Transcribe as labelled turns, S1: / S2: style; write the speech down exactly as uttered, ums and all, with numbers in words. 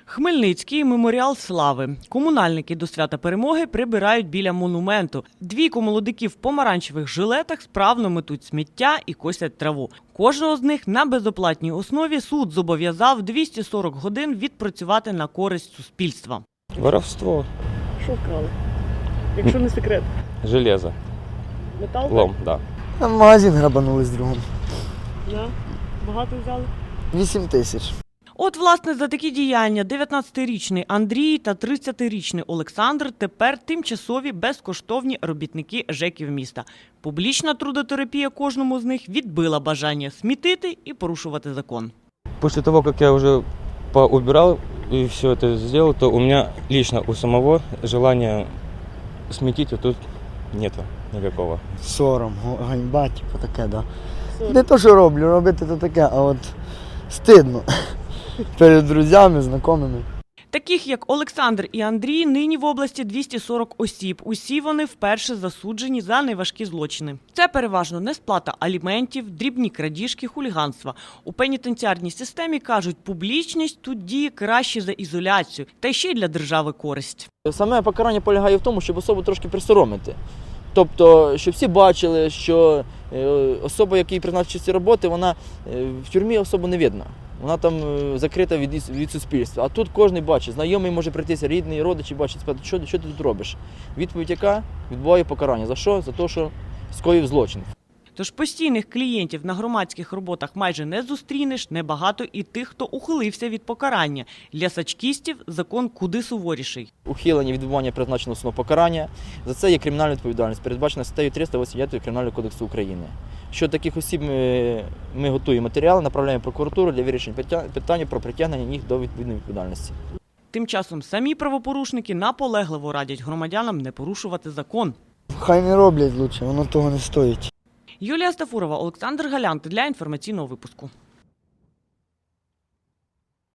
S1: Хмельницький меморіал слави. Комунальники до свята Перемоги прибирають біля монументу. Двійко молодиків в помаранчевих жилетах справно метуть сміття і косять траву. Кожного з них на безоплатній основі суд зобов'язав двісті сорок годин відпрацювати на користь суспільства.
S2: Воровство.
S1: Що вкрали? Якщо не секрет.
S2: Железо.
S1: Метал?
S2: Лом, да.
S3: В магазин грабанули з другом.
S1: Да. Багато взяли?
S3: Вісім тисяч.
S1: От, власне, за такі діяння дев'ятнадцятирічний Андрій та тридцятирічний Олександр тепер тимчасові безкоштовні робітники ЖЕКів міста. Публічна трудотерапія кожному з них відбила бажання смітити і порушувати закон.
S2: После того, как я уже поубирал и все это сделал, то у меня лично у самого желания сметить вот тут нету никакого.
S3: Сором, ганьба, типу таке, да. Не то, що роблю, робити то таке, а от стидно. Перед друзями, знайомими.
S1: Таких, як Олександр і Андрій, нині в області двісті сорок осіб. Усі вони вперше засуджені за найважкі злочини. Це переважно несплата аліментів, дрібні крадіжки, хуліганства. У пенітенціарній системі кажуть, публічність тут діє краще за ізоляцію, та й ще й для держави користь.
S4: Саме покарання полягає в тому, щоб особу трошки присоромити. Тобто, щоб всі бачили, що особа, якій призначить ці роботи, вона в тюрмі особо не видно. Вона там закрита від, від суспільства. А тут кожен бачить, знайомий може прийтися, рідний, родичі бачить, спитати, що, що ти тут робиш. Відповідь яка? Відбуває покарання. За що? За те, що скоїв злочин.
S1: Тож постійних клієнтів на громадських роботах майже не зустрінеш, небагато і тих, хто ухилився від покарання. Для сачкістів закон куди суворіший.
S4: Ухилення від відбування призначеного основного покарання. За це є кримінальна відповідальність, передбачена статтею триста вісімдесят дев'ять Кримінального кодексу України. Щодо таких осіб ми, ми готуємо матеріали, направляємо в прокуратуру для вирішення питання про притягнення їх до відповідної відповідальності.
S1: Тим часом самі правопорушники наполегливо радять громадянам не порушувати закон.
S3: Хай не роблять лучше, воно того не стоїть.
S1: Юлія Стафурова, Олександр Галянт для інформаційного випуску.